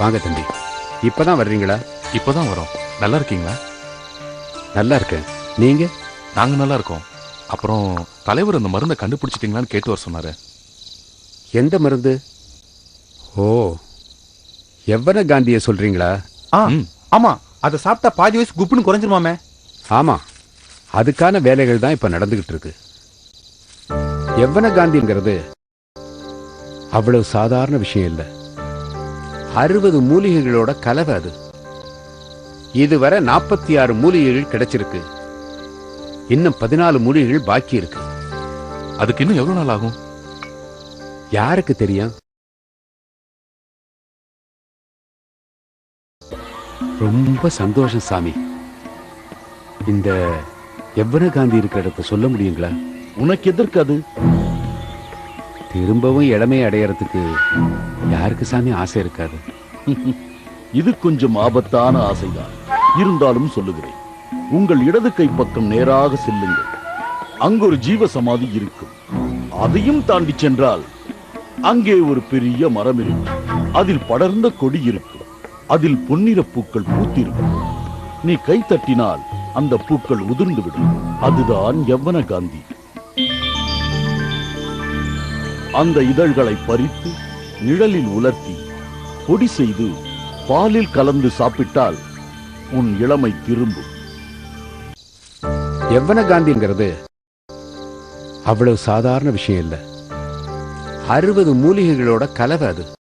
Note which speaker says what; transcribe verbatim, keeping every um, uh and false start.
Speaker 1: வாங்க தம்பி. இப்பதான் வர்றீங்களா?
Speaker 2: இப்பதான் வரோம். நல்லா இருக்கீங்களா?
Speaker 1: நல்லா இருக்கேன். நீங்க?
Speaker 2: நாங்க நல்லா இருக்கோம். அப்புறம் தலைவர் அந்த மருந்தை கண்டுபிடிச்சிட்டீங்களான்னு கேட்டு வர சொன்னாரு.
Speaker 1: எந்த மருந்து? ஓ, எவ்வன காந்திய சொல்றீங்களா?
Speaker 3: ஆமா, அதை சாப்பிட்டா பாதி வயசு குப்புன்னு குறைஞ்சிருமாமே.
Speaker 1: ஆமா, அதுக்கான வேலைகள் தான் இப்ப நடந்துகிட்டு இருக்கு. எவ்வன காந்திங்கிறது அவ்வளவு சாதாரண விஷயம் இல்ல. அறுபது மூலிகைகளோட கலவை அது. இதுவரை நாற்பத்தி ஆறு மூலிகைகள் கிடைச்சிருக்கு. இன்னும் பதினாலு மூலிகைகள் பாக்கி இருக்கு.
Speaker 2: அதுக்கு இன்னும் எவ்வளவு நாள் ஆகும்?
Speaker 1: யாருக்கு தெரியும்? ரொம்ப சந்தோஷம் சாமி. இந்த எவ்வன காந்தி இருக்கிற இடத்த சொல்ல முடியுங்களா?
Speaker 4: உனக்கு எதற்கு அது?
Speaker 1: திரும்பவும் இளமை அடையறதுக்கு யாருக்கு சாமி ஆசை இருக்காது?
Speaker 4: இது கொஞ்சம் ஆபத்தான ஆசைதான். இருந்தாலும் சொல்லுகிறேன், உங்கள் இடது கை பக்கம் நேராக செல்லுங்கள். அங்கு ஒரு ஜீவ சமாதி இருக்கும். அதையும் தாண்டி சென்றால் அங்கே ஒரு பெரிய மரம் இருக்கும். அதில் படர்ந்த கொடி இருக்கும். அதில் பொன்னிற பூக்கள் பூத்திருக்கும். நீ கை தட்டினால் அந்த பூக்கள் உதிர்ந்து விடும். அதுதான் யவ்வன காந்தி. அந்த இதழ்களை பறித்து நிழலில் உலர்த்தி பொடி செய்து பாலில் கலந்து சாப்பிட்டால் உன் இளமை திரும்பும்.
Speaker 1: எவ்வன காந்திங்கிறது அவ்வளவு சாதாரண விஷயம் இல்ல. அறுபது மூலிகைகளோட கலவை அது.